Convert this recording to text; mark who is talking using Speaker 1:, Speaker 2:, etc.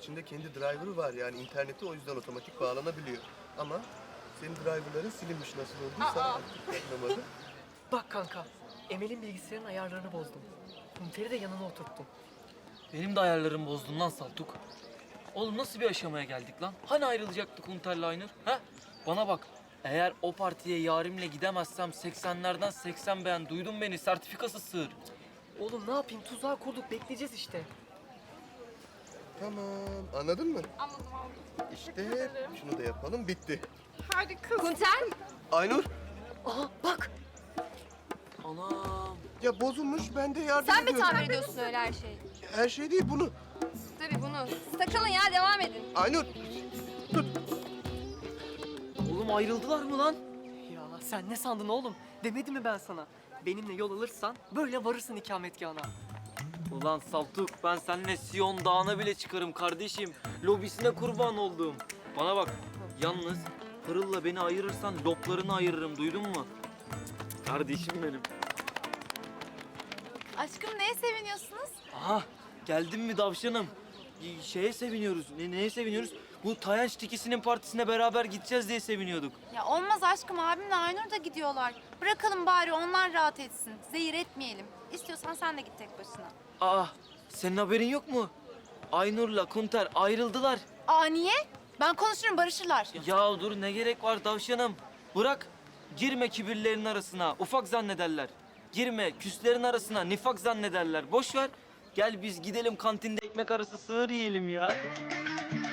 Speaker 1: içinde kendi driver'ı var yani internete o yüzden otomatik bağlanabiliyor. Ama senin driver'ların silinmiş nasıl olduysa artık anlamadım.
Speaker 2: Bak kanka, Emel'in bilgisayarın ayarlarını bozdum. Kunter'i de yanına oturttum.
Speaker 3: Benim de ayarlarımı bozdun lan Saltuk. Oğlum nasıl bir aşamaya geldik lan? Hani ayrılacaktık Hunter'la Aynur? Ha? Bana bak. Eğer o partiye yarimle gidemezsem 80'lerden 80 beğen. Duydun beni. Sertifikası sığır.
Speaker 2: Oğlum ne yapayım, tuzağı kurduk, bekleyeceğiz işte.
Speaker 1: Tamam, anladın mı?
Speaker 4: Anladım anladım.
Speaker 1: İşte şunu da yapalım, bitti.
Speaker 4: Harika.
Speaker 5: Kunter,
Speaker 1: Aynur,
Speaker 2: Aha bak!
Speaker 3: Anam.
Speaker 1: ya bozulmuş, ben de yardım
Speaker 5: sen mi
Speaker 1: ediyorum.
Speaker 5: tamir ediyorsun öyle her şeyi?
Speaker 1: Her şey değil, bunu.
Speaker 5: Tabii bunu. Siz takılın ya, devam edin.
Speaker 1: Aynur,
Speaker 3: Oğlum ayrıldılar mı lan?
Speaker 2: Ya sen ne sandın oğlum? Demedim mi ben sana? Benimle yol alırsan böyle varırsın ikametgahına.
Speaker 3: Ulan Saltuk ben seninle Sion Dağı'na bile çıkarım kardeşim. Lobisine kurban oldum. Bana bak. Yalnız Pırıl'la beni ayırırsan loplarını ayırırım. Duydun mu? Kardeşim benim.
Speaker 5: Aşkım neye seviniyorsunuz?
Speaker 3: Aha geldin mi davşanım? Şeye seviniyoruz. Neye seviniyoruz? Bu Tayanç Tikisi'nin partisine beraber gideceğiz diye seviniyorduk.
Speaker 5: Ya olmaz aşkım, abimle Aynur da gidiyorlar. Bırakalım bari onlar rahat etsin. Zehir etmeyelim. İstiyorsan sen de git tek başına.
Speaker 3: Aa senin haberin yok mu? Aynur'la Kunter ayrıldılar.
Speaker 5: Aa niye? Ben konuşurum, barışırlar.
Speaker 3: Ya dur ne gerek var davşanım? Bırak. Girme kibirlerin arasına. Ufak zannederler. Girme küslerin arasına. Nifak zannederler. Boş ver. Gel biz gidelim kantinde ekmek arası sığır yiyelim ya.